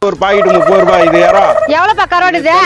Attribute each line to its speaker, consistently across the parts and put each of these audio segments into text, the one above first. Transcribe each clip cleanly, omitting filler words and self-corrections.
Speaker 1: ஒரு பாக்கெட் 30 ரூபாய். இது யாரா
Speaker 2: எவ்வளோப்பா கருவாடு இது?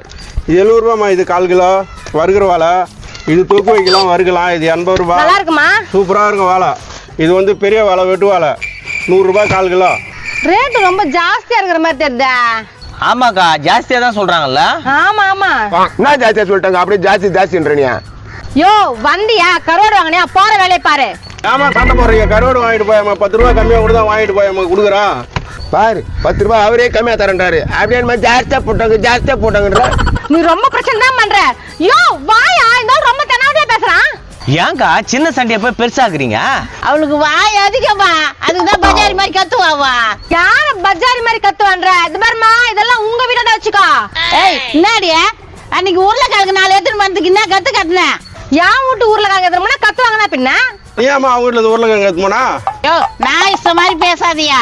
Speaker 1: 70 ரூபாய்மா. இது 1/4 கிலோ வறுக்கிற வாழை. இது தொக்கு வைக்கலாம் வறுக்கலாம். இது 80 ரூபாய்.
Speaker 2: நல்லா இருக்குமா?
Speaker 1: சூப்பராக இருக்கும் வாழை. இது வந்து பெரிய வாழை வெட்டு வாழை 100 ரூபாய் 1/4 கிலோ.
Speaker 2: ரேட்டு ரொம்ப ஜாஸ்தியா இருக்கிற மாதிரி தெரியுதா?
Speaker 3: ஆமாக்கா ஜாஸ்தியா தான் சொல்றாங்கல்ல.
Speaker 2: ஆமா ஆமா.
Speaker 4: என்ன ஜாஸ்தியா சொல்லிட்டாங்க? அப்படியே ஜாஸ்தின்றீங்க.
Speaker 2: யோ வந்தியா கருவாடு வாங்கினியா? போற வேலையை பாரு.
Speaker 1: ஆமா சண்டை போடுறீங்க. கருவாடு வாங்கிட்டு போயாமா 10 ரூபாய் கம்மியாக கூட தான் வாங்கிட்டு போயாமா கொடுக்குறான்.
Speaker 4: பாரு 10 ரூபாய் அவரே கம்மியா தரேன்றாரு. அப்படியே ஜாஸ்தியா போட்டாங்கன்ற.
Speaker 2: நீ ரொம்ப பிரச்சனை தான் பண்ற. யோ வாயா இந்த ரொம்ப தெனாவதியா பேசுறான்.
Speaker 3: ஏங்கா சின்ன சண்டையை போய் பெருசாக்குறீங்க?
Speaker 5: அவளுக்கு வாய் அதிகமா, அதுக்குதான் பஜாரி மாதிரி கத்துவாவா.
Speaker 2: யார பஜாரி மாதிரி கத்துவான்ற? இது பாருமா இதெல்லாம் உங்க வீட்டை தான் வச்சுக்கோ.
Speaker 5: ஏய் என்னடிய அன்னைக்கு உருளைக்கிழங்கு 4 எடுத்துட்டு வந்ததுக்கு என்ன கத்து கத்துனேன்?
Speaker 2: என் வீட்டு உருளைக்கிழங்கு எதுனா கத்துவாங்கன்னா பின்ன
Speaker 1: ஏமா அவங்க வீட்டில் உருளைக்கிழங்கு எடுத்துமோனா?
Speaker 5: யோ நான் இஷ்ட மாதிரி பேசாதியா.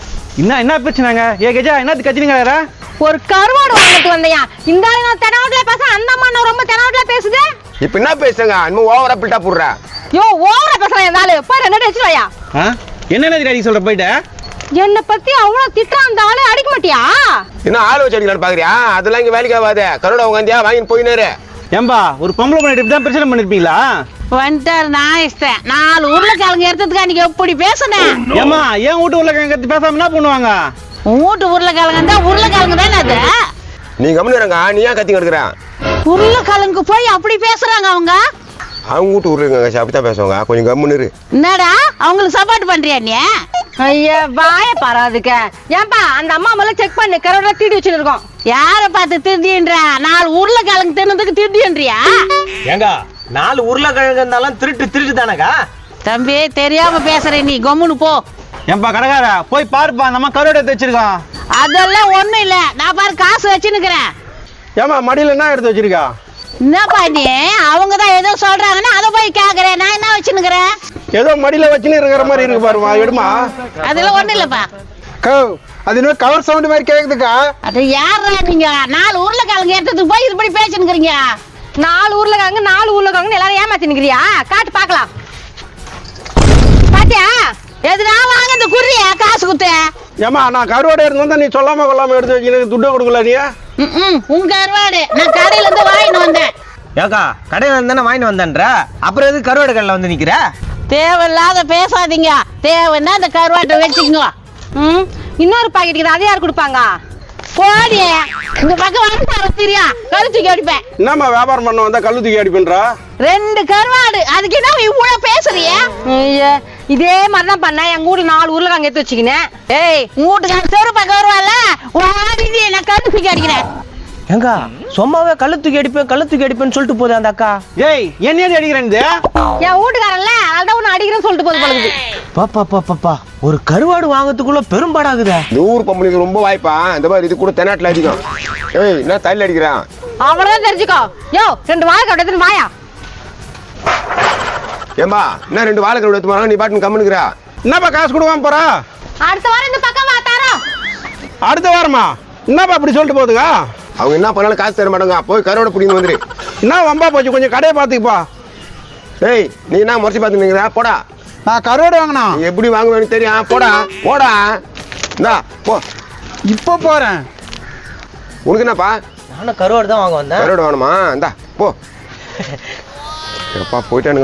Speaker 3: என்ன பிரச்சனைங்க? கஜா என்னது கத்தினீங்க?
Speaker 2: ஒரு கருவாடு வாங்கிட்டு வந்தையா. இந்த ஆளு நான் தெனாவதியா பேச, அந்த அம்மா நான் ரொம்ப தெனாவதியா பேசுது.
Speaker 4: இப்ப என்ன பேசுங்க? இன்னும் ஓவரா பில்டா போடுற.
Speaker 2: யோ ஓவரா பேசுறேன். இந்த ஆளு போய் 2 அடிச்சு வாயா.
Speaker 3: என்ன அடி சொல்ற போயிட்ட?
Speaker 2: என்ன பத்தி அவ்வளவு திட்டுறான் அந்த ஆளு. அடிக்க மாட்டியா?
Speaker 4: என்ன ஆள் வச்சு அடிக்கலான்னு பாக்குறியா? அதெல்லாம் இங்க வேலைக்கு ஆகாத. கருவாடு உட்காந்தியா வாங்கிட்டு போயினாரு.
Speaker 3: ஏம்பா ஒரு பொம்பளை பண்ணிட்டு இப்படி தான் பிரச்சனை பண்ணிருப்பீங்களா?
Speaker 5: வந்துட்டாரு நான் இஷ்டம். 4 உருளைக்கிழங்கு எடுத்ததுக்கு அன்னைக்கு எப்படி பேசுனேன்?
Speaker 3: ஏமா ஏன் வீட்டு உருளைக்கிழங்கு கத்தி பேசாம என்ன பண்ணுவாங்க?
Speaker 5: உன் வீட்டு உருளைக்கிழங்கு தான் உருளைக்கிழங்கு தானே அது.
Speaker 4: நீ கம்முனுங்க. நீ ஏன் கத்தி கிடக்குற?
Speaker 5: உருளைக்கிழங்கு போய் அப்படி பேசுறாங்க அவங்க.
Speaker 4: அவங்க வீட்டு உருளைக்கிழங்கு அப்படித்தான் பேசுவாங்க. கொஞ்சம் கம்முன்னு.
Speaker 5: என்னடா அவங்களுக்கு சப்போர்ட் பண்றியா நீ?
Speaker 2: ஐயா வாய பாராதுக்க. ஏன்பா அந்த அம்மா மேல செக் பண்ணு. கருவாடு தீடி வச்சுருக்கோம்.
Speaker 5: யார பார்த்து திருடின்ற? 4 உருளைக்கிழங்கு தின்னதுக்கு திருடின்றியா?
Speaker 3: ஏங்க 4 உருளைக்கிழங்கு இருந்தாலும் திருட்டு தானக்கா?
Speaker 5: தம்பி தெரியாம பேசுற நீ கம்முன்னு போ.
Speaker 3: ஏன்பா கடைக்கார போய் பாருப்பா நம்ம கருவாடு எடுத்து வச்சிருக்கோம்.
Speaker 5: அதெல்லாம் ஒண்ணும் இல்ல. நான் பாரு காசு வச்சுன்னுக்கிறேன்.
Speaker 1: ஏமா மடியில் என்ன எடுத்து வச்சிருக்கா?
Speaker 5: என்னப்பா நீ அவங்கதான் ஏதோ சொல்றாங்கன்னா அதை போய் கேக்குறேன். நான் என்ன வச்சுன்னுக்கிறேன்?
Speaker 1: ஏதோ மடியில் வச்சுன்னு இருக்கிற மாதிரி இருக்கு பாருமா. எடுமா.
Speaker 5: அதெல்லாம் ஒண்ணும் இல்லப்பா.
Speaker 1: அது இன்னும் கவர் சவுண்ட் மாதிரி கேக்குதுக்கா.
Speaker 5: அது யாரா நீங்க? 4 உருளைக்கிழங்கு எடுத்ததுக்கு போய் இப்படி பேசினுக்கிறீங்க.
Speaker 2: 4 உருளைக்கிழங்கு எல்லாரும் ஏமாத்தி நிக்கிறியா? காட்டு பாக்கலாம். பாத்தியா?
Speaker 5: எதுனா வாங்க இந்த குறிய காசு குத்து.
Speaker 1: ஏமா நான் கருவாடு எடுத்து வந்தா நீ சொல்லாம கொள்ளாம எடுத்து வச்சு துட்டை கொடுக்கல நீ?
Speaker 5: உங்க கருவாடு நான் கடையில இருந்து வாங்கிட்டு வந்தேன்.
Speaker 3: ஏக்கா கடையில இருந்தானே வாங்கிட்டு வந்தேன்ற, அப்புறம் எது கருவாடு கடையில வந்து நிக்கிற?
Speaker 5: தேவையில்லாத பேசாதீங்க. தேவைன்னா இந்த கருவாட்டை வச்சுக்கோங்க.
Speaker 2: இன்னொரு பாக்கெட் அதை யார் கொடுப்பாங்க?
Speaker 5: போடி இந்த பக்கம் வந்து தெரியா கழுத்துக்கு அடிப்பேன்.
Speaker 1: என்னம்மா வியாபாரம் பண்ண வந்தா கல்லு தூக்கி அடிப்பேன்றா?
Speaker 5: 2 கருவாடு அதுக்கு என்ன இவ்வளவு பேசுறிய?
Speaker 2: இதே மாதிரிதான் பண்ண. எங்க ஊர்ல 4 உருளைக்கிழங்கு எடுத்து வச்சுக்கினேன்.
Speaker 5: ஏய் உங்க வீட்டுக்கு தெரு பக்கம் வருவால நான் கழுத்துக்கு அடிக்கிறேன்.
Speaker 3: ஏங்க சும்மாவே கல்லு தூக்கி அடிப்பேன்னு சொல்லிட்டு போகுது அந்த அக்கா. ஏய் என்ன அடிக்கிறேன்?
Speaker 2: என் வீட்டுக்காரன்ல அதான் ஒண்ணு அடிக்கிறேன்னு சொல்லிட்டு போகுது பழகுது.
Speaker 3: பாப்பா ஒரு கருவாடு வாங்கறதுக்குள்ள பெரும்பாடாகுதே.
Speaker 4: இந்த ஊர் பொம்பளைக்கு ரொம்ப வாய்ப்பா. இந்த மாதிரி இது கூட தென்னாட்டுல அடிக்கும். ஏய் என்ன தள்ளி அடிக்கிறான்?
Speaker 2: அவ்வளவுதான் தெரிஞ்சுக்கோ. யோ 2 வாழைக்காய் எடுத்துன்னு வாயா.
Speaker 4: ஏம்பா என்ன 2 வாழைக்காய் எடுத்து போறாங்க? நீ பாட்டுன்னு கம்முனுக்குறா.
Speaker 1: என்னப்பா காசு கொடுக்காம போறா?
Speaker 2: அடுத்த வாரம் இந்த பக்கம் வா தாரோ.
Speaker 1: அடுத்த வாரமா? என்னப்பா அப்படி சொல்லிட்டு போகுதுங்க?
Speaker 4: அவங்க என்ன பண்ணாலும் காசு தர மாட்டாங்க. போய் கருவாடை பிடிங்க வந்துரு.
Speaker 1: என்ன வம்பா போச்சு? கொஞ்சம் கடையை பார்த்துக்குப்பா.
Speaker 4: ஏய் நீ என்ன முறைச்சி பார்த்துக்கிறா? போடா.
Speaker 1: நான் கருவாடு வாங்கினா
Speaker 4: எப்படி வாங்குவேன்னு தெரியும். போடா இந்தா போ.
Speaker 1: இப்போ போறேன்.
Speaker 4: உனக்கு என்னப்பா?
Speaker 3: நானும் கருவாடு தான் வாங்க வந்தேன்.
Speaker 4: கருவாடு வேணுமா? இந்தா போ. எப்பா போயிட்டானுங்க.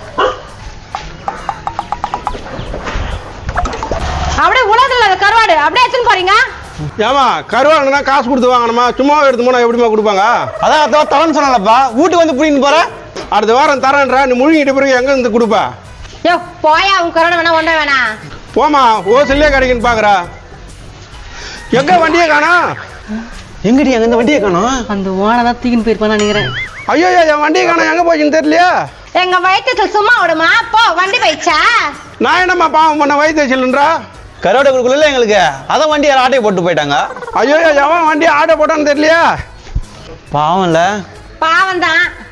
Speaker 2: அப்படியே உலகத்துல கருவாடு அப்படியே எடுத்துன்னு போறீங்க.
Speaker 1: ஏமா கருவாடுனா காசு கொடுத்து வாங்கணுமா? சும்மா எடுத்து போனா எப்படிமா கொடுப்பாங்க? அதான் தரேன்னு சொன்னாலப்பா. வீட்டுக்கு வந்து பிடின்னு போற. அடுத்த வாரம் தரேன்றா. நீ முழுங்கிட்டு பிறகு எங்க இருந்து கொடுப்பா?
Speaker 2: யோ போயா. உன் கருவாடு வேணா ஒன்றா வேணா
Speaker 1: போமா. ஓசல்லே கிடைக்குன்னு பாக்குறா. எங்க வண்டியை காணோம்?
Speaker 3: எங்கடி அங்க இந்த வண்டியை காணோம்?
Speaker 2: அந்த ஓனை தான் தூக்கின்னு போயிருப்பான்னு நினைக்கிறேன்.
Speaker 1: ஐயோ என் வண்டியை காணோம். எங்க போச்சுன்னு தெரியலையா?
Speaker 2: எங்க வயிற்றுல சும்மா விடுமா? போ வண்டி போயிடுச்சா?
Speaker 1: நான் என்னம்மா பாவம் பண்ண வயிற்றுன்றா?
Speaker 3: கருவாடு கொடுக்கல எங்களுக்கு. அதான் வண்டி யாரும் ஆட்டையை போட்டு போயிட்டாங்க.
Speaker 1: ஐயோ எவன் வண்டி ஆட்டோ போட்டான்னு தெரியலையா?
Speaker 3: பாவம்ல.
Speaker 2: பாவம் தான்.